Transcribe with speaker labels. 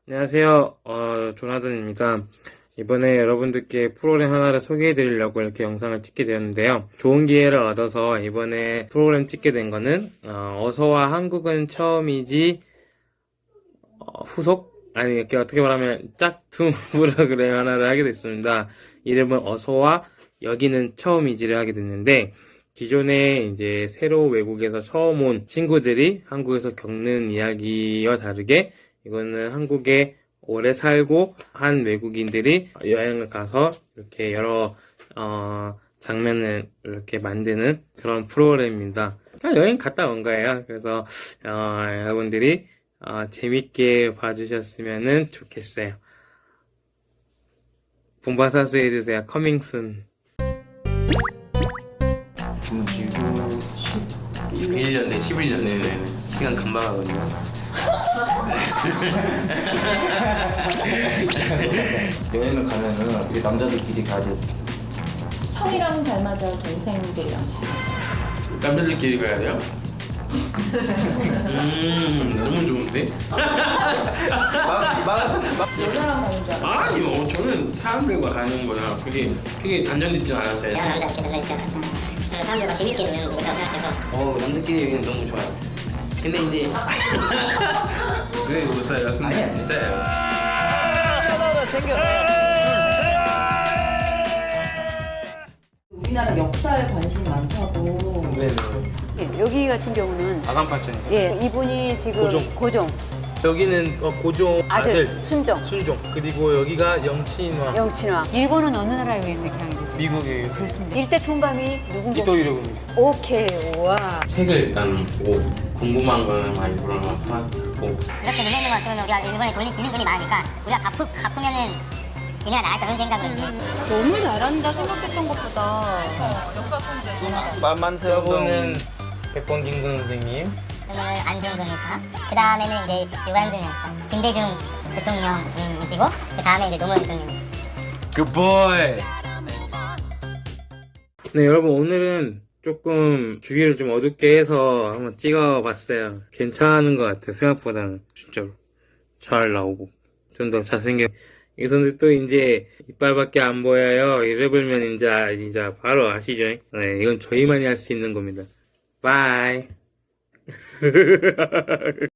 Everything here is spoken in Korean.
Speaker 1: 안녕하세요. 조나단입니다. 이번에 여러분들께 프로그램 하나를 소개해 드리려고 이렇게 영상을 찍게 되었는데요. 좋은 기회를 얻어서 이번에 프로그램 찍게 된 거는, 어서와 한국은 처음이지, 후속? 아니, 이렇게 어떻게 말하면 짝퉁 프로그램 하나를 하게 됐습니다. 이름은 어서와 여기는 처음이지를 하게 됐는데, 기존에 이제 새로 외국에서 처음 온 친구들이 한국에서 겪는 이야기와 다르게 이거는 한국에 오래 살고 한 외국인들이 여행을 가서 이렇게 여러 장면을 이렇게 만드는 그런 프로그램입니다. 그냥 여행 갔다 온 거예요. 그래서 여러분들이 재밌게 봐주셨으면 좋겠어요. 본바사수 해주세요. 커밍 순.
Speaker 2: 지금 11년 내 11년에 시간 금방 하거든요.
Speaker 3: 여행을 가면은 우리 남자들끼리 가야 돼.
Speaker 4: 형이랑 잘 맞아, 동생들이랑 잘 맞아.
Speaker 2: 남자들끼리 가야 돼요? 너무 좋은데?
Speaker 4: 여자랑 가는 줄 알아.
Speaker 2: 아니요, 저는 사람들과 가는 거라 그게 단정짓지 않았어요.
Speaker 5: 내가 남자 이렇게 달라있지 않았어. 사람들과 재밌게 노는 거라고 생각해서.
Speaker 2: 남자끼리 여기는 너무 좋아요. 근데 이제 그게 못 살요.
Speaker 3: 아니야.
Speaker 2: 진짜요.
Speaker 4: 우리나라 역사에 관심이 많다고.
Speaker 1: 네네.
Speaker 6: 여기 같은 경우는
Speaker 1: 아간파천이요.
Speaker 6: 예 이분이 지금
Speaker 1: 고종. 여기는 고종
Speaker 6: 아들,
Speaker 1: 아들
Speaker 6: 순정
Speaker 1: 순종. 그리고 여기가 영친왕.
Speaker 6: 영친왕. 일본은 어느 나라에 의해서 개항이 됐어요?
Speaker 1: 미국의
Speaker 6: 그렇습니다. 일대 총감이 누군가?
Speaker 1: 이토이로군요.
Speaker 6: 오케이 와.
Speaker 2: 책을 일단 보고 궁금한 거는 많이 물어보고
Speaker 5: 이렇게 눈에 있는 것 같으면 우리가 일본에 빌린 돈이 많으니까 우리가 갚으면은 얘네가 나을 그런 생각을 했지.
Speaker 4: 너무 잘한다 생각했던 것보다.
Speaker 3: 만만세
Speaker 1: 여보는 백범 김근 선생님.
Speaker 5: 그러면은 안중근 의사. 그 다음에는 이제 유관순 역사. 김대중 대통령님이시고 그 다음에 이제 노무현 대통령.
Speaker 2: 굿보이.
Speaker 1: 네, 여러분 오늘은 조금 주위를 좀 어둡게 해서 한번 찍어봤어요. 괜찮은 것 같아요. 생각보다는 진짜로 잘 나오고 좀 더 잘생겨. 여기서는 또 이제 이빨밖에 안 보여요. 이래버리면 이제 바로 아시죠? 네, 이건 저희만이 할 수 있는 겁니다. 바이.